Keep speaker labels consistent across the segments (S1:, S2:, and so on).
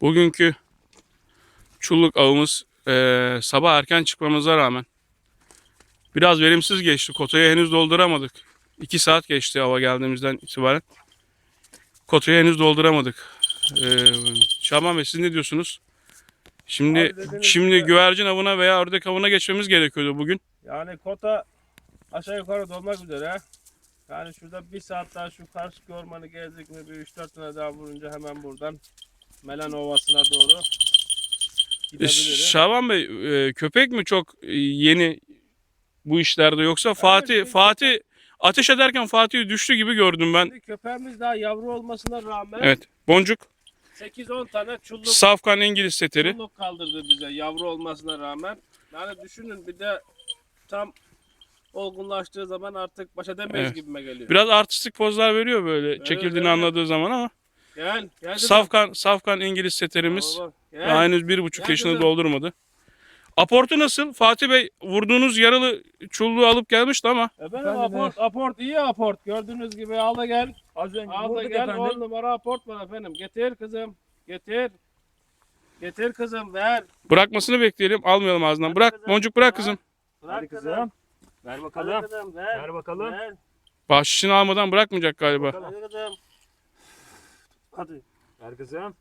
S1: Bugünkü çulluk avımız sabah erken çıkmamıza rağmen biraz verimsiz geçti. Kotayı henüz dolduramadık. 2 saat geçti hava geldiğimizden itibaren. Kotayı henüz dolduramadık. Şaban Bey, siz ne diyorsunuz? Şimdi güvercin avına veya ördek avına geçmemiz gerekiyordu bugün.
S2: Yani kota aşağı yukarı dolmak üzere. Yani şurada bir saat daha şu karşı ormanı gezdik mi bir 3-4 tane daha vurunca hemen buradan Melen Ovası'na doğru gidebiliriz.
S1: Şaban Bey, köpek mi çok yeni bu işlerde, yoksa Fatih ateş ederken Fatih düştü gibi gördüm ben.
S2: Şimdi köpeğimiz daha yavru olmasına rağmen
S1: Evet. Boncuk
S2: 8-10 tane
S1: safkan İngiliz seteri.
S2: çulluk kaldırdı bize yavru olmasına rağmen. Yani düşünün bir de tam olgunlaştığı zaman artık baş edemeyiz
S1: Evet.
S2: gibime geliyor.
S1: Biraz artistik pozlar veriyor böyle çekildiğini
S2: evet.
S1: anladığı zaman ama
S2: Gel
S1: safkan İngiliz seterimiz
S2: Baba,
S1: daha henüz 1,5
S2: Gel
S1: yaşını
S2: kızım.
S1: doldurmadı. Aportu nasıl? Fatih Bey vurduğunuz yaralı çulluğu alıp gelmişti ama.
S2: Efendim aport iyi aport. Gördüğünüz gibi al da gel.
S3: Az önce
S2: Al da
S3: vurduk
S2: gel.
S3: efendim.
S2: 10 numara aport var efendim. Getir kızım. Getir. Getir kızım ver.
S1: Bırakmasını bekleyelim. Almayalım ağzından.
S2: Hadi
S1: Bırak
S2: kızım.
S1: Boncuk, bırak kızım.
S2: Bırak
S3: Hadi
S2: kızım.
S3: kızım. Ver
S2: Hadi
S3: bakalım.
S2: kızım ver.
S3: Ver bakalım.
S2: Ver.
S1: Bahşişini almadan bırakmayacak galiba.
S2: Hadi kızım. Hadi.
S3: Ver kızım.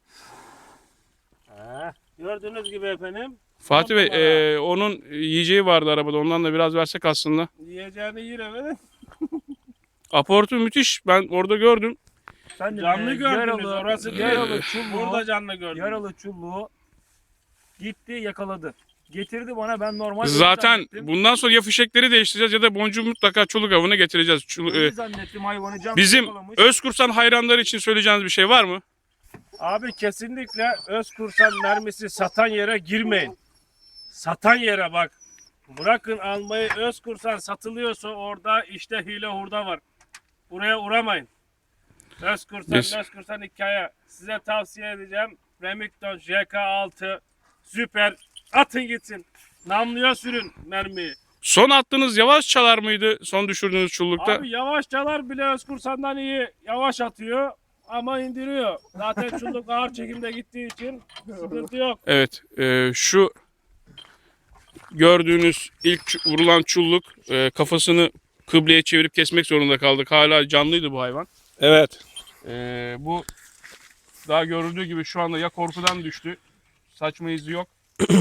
S2: Gördüğünüz gibi efendim.
S1: Fatih Bey,
S2: numara.
S1: onun yiyeceği vardı arabada. Ondan da biraz versek aslında.
S2: Yiyeceğini yer efendim.
S1: Aportu müthiş. Ben orada gördüm.
S3: Sen de
S2: Canlı gördünüz. Orası değil.
S3: yaralı çulluğu,
S2: Burada canlı gördünüz.
S3: yaralı çulluğu gitti yakaladı. Getirdi bana, ben normal
S1: Zaten
S3: zannettim.
S1: bundan sonra ya fişekleri değiştireceğiz ya da boncuğu mutlaka çoluk avına getireceğiz.
S3: Öyle zannettim, hayvanı canlı
S1: Bizim
S3: yakalamış.
S1: Özkursan hayranları için söyleyeceğiniz bir şey var mı?
S2: Abi kesinlikle Özkursan mermisi satan yere girmeyin. Satan yere bak. Bırakın almayı, Özkursan satılıyorsa orada işte hile hurda var. Buraya uğramayın. Özkursan hikaye. Size tavsiye edeceğim. Remington JK6 süper. Atın gitsin. Namluya sürün mermiyi.
S1: Son attığınız yavaş çalar mıydı son düşürdüğünüz çullukta?
S2: Abi yavaşçalar bile Özkursan'dan iyi yavaş atıyor ama indiriyor. Zaten çulluk ağır çekimde gittiği için sıkıntı yok.
S1: Evet, şu gördüğünüz ilk vurulan çulluk, kafasını kıbleye çevirip kesmek zorunda kaldık. Hala canlıydı bu hayvan.
S2: Evet.
S1: Bu daha görüldüğü gibi şu anda ya korkudan düştü. Saçma izi yok.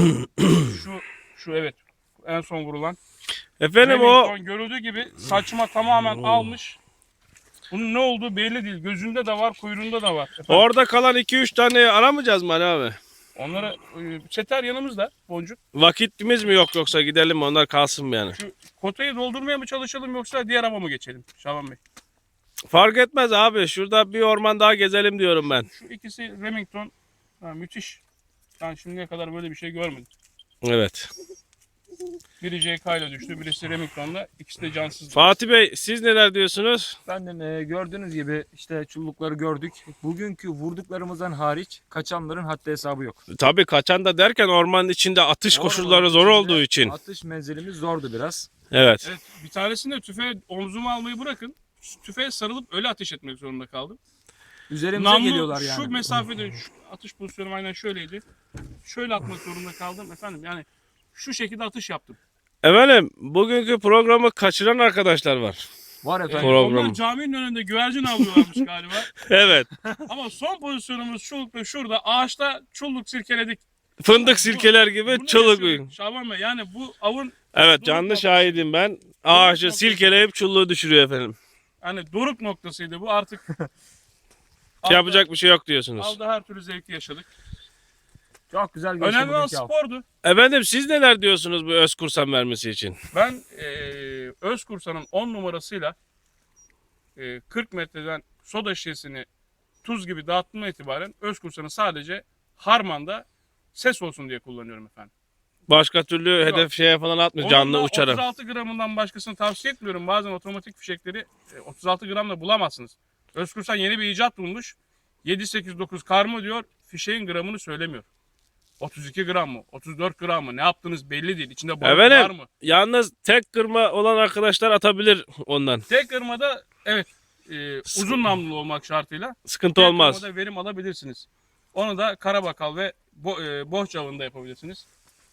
S1: şu evet, en son vurulan.
S2: Efendim
S1: Remington görüldüğü gibi saçma tamamen almış. Bunun ne olduğu belli değil. Gözünde de var, kuyruğunda da var. Efendim,
S2: orada kalan 2-3 tane aramayacağız mı Ali abi?
S1: onlara çeter yanımızda, Boncuk.
S2: Vakitimiz mi yok yoksa gidelim mi onlar kalsın mı yani?
S1: Şu kotayı doldurmaya mı çalışalım yoksa diğer hava mı geçelim Şaban Bey?
S2: Fark etmez abi. Şurada bir orman daha gezelim diyorum ben.
S1: Şu ikisi Remington. Müthiş. Ben şimdiye kadar böyle bir şey görmedim.
S2: Evet.
S1: Biri JK ile düştü, birisi Remington'la. İkisi de cansız.
S2: Fatih Bey siz neler diyorsunuz?
S3: Efendim gördüğünüz gibi işte çullukları gördük. Bugünkü vurduklarımızdan hariç kaçanların haddi hesabı yok.
S2: Tabii kaçan da derken ormanın içinde atış koşulları zor
S3: Ormanın
S2: olduğu
S3: içinde
S2: için.
S3: Atış menzilimiz zordu biraz.
S2: Evet.
S1: Evet, bir tanesinde tüfeğe omzuma almayı bırakın. Tüfeğe sarılıp öyle ateş etmek zorunda kaldım.
S3: Üzerimize geliyorlar yani.
S1: Şu mesafede şu atış pozisyonum aynen şöyleydi. Şöyle atmak zorunda kaldım efendim. Yani şu şekilde atış yaptım.
S2: Efendim bugünkü programı kaçıran arkadaşlar var.
S3: Var efendim.
S2: Program.
S1: Onlar caminin önünde güvercin avlıyorlarmış galiba.
S2: Evet.
S1: Ama son pozisyonumuz çullukta şurada ağaçta çulluk sirkeledik.
S2: Fındık sirkeler gibi
S1: Bunu
S2: çoluk.
S1: yaşadık Şaban Bey, yani bu avın
S2: Evet canlı şahidim ben. Ağaçı silkeleyip çulluğu düşürüyor efendim.
S1: hani doruk noktasıydı bu artık.
S2: Yapacak bir şey yok diyorsunuz.
S1: Avda her türlü zevki yaşadık.
S3: Çok güzel geçti
S1: Önemli olan
S3: bugünkü av.
S1: spordu.
S2: Efendim siz neler diyorsunuz bu Özkursan vermesi için?
S1: Ben Özkursa'nın 10 numarasıyla 40 metreden soda şişesini tuz gibi dağıttığımdan itibaren Özkursa'nı sadece harmanda ses olsun diye kullanıyorum efendim.
S2: Başka türlü
S1: Yok.
S2: hedef şeye falan atmıyor.
S1: Onun
S2: Canlı
S1: da
S2: uçarım.
S1: 36 gramından başkasını tavsiye etmiyorum. Bazen otomatik fişekleri 36 gramla bulamazsınız. Özkursan yeni bir icat bulmuş. 7-8-9 karma diyor. Fişeğin gramını söylemiyor. 32 gram mı? 34 gram mı? Ne yaptığınız belli değil. İçinde balık var
S2: Efendim
S1: mı?
S2: yalnız tek kırma olan arkadaşlar atabilir ondan.
S1: Tek kırmada evet uzun namlulu olmak şartıyla
S2: Sıkıntı
S1: tek
S2: olmaz.
S1: kırmada verim alabilirsiniz. Onu da Karabakal ve Bohça avında yapabilirsiniz.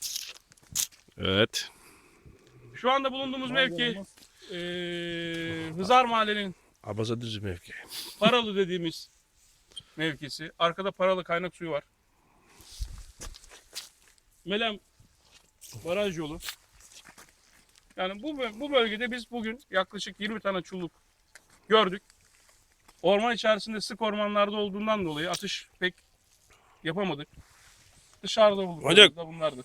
S4: Evet.
S1: Şu anda bulunduğumuz mevki Hızar Mahallenin
S4: Abaza düzü mevki.
S1: Paralı dediğimiz mevkisi. Arkada Paralı kaynak suyu var. Melem baraj yolu. Yani bu bölgede biz bugün yaklaşık 20 tane çulluk gördük. Orman içerisinde sık ormanlarda olduğundan dolayı atış pek yapamadık. Dışarıda bulduk.
S4: Hocam.
S1: Da bunlardı.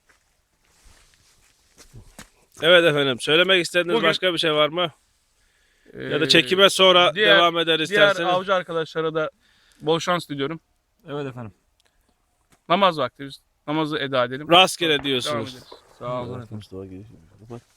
S4: Evet efendim. Söylemek istediğiniz
S1: Bugün-
S4: başka bir şey var mı? Ya da
S1: Ee,
S4: çekime sonra
S1: diğer-
S4: devam eder
S1: Diğer
S4: isterseniz.
S1: avcı arkadaşlara da bol şans diliyorum.
S3: Evet efendim.
S1: Namaz vakti biz namazı eda edelim.
S4: Rastgele
S1: Devam
S4: diyorsunuz.
S1: ederiz.
S3: Sağ olun efendim.
S4: Mustafa giriş.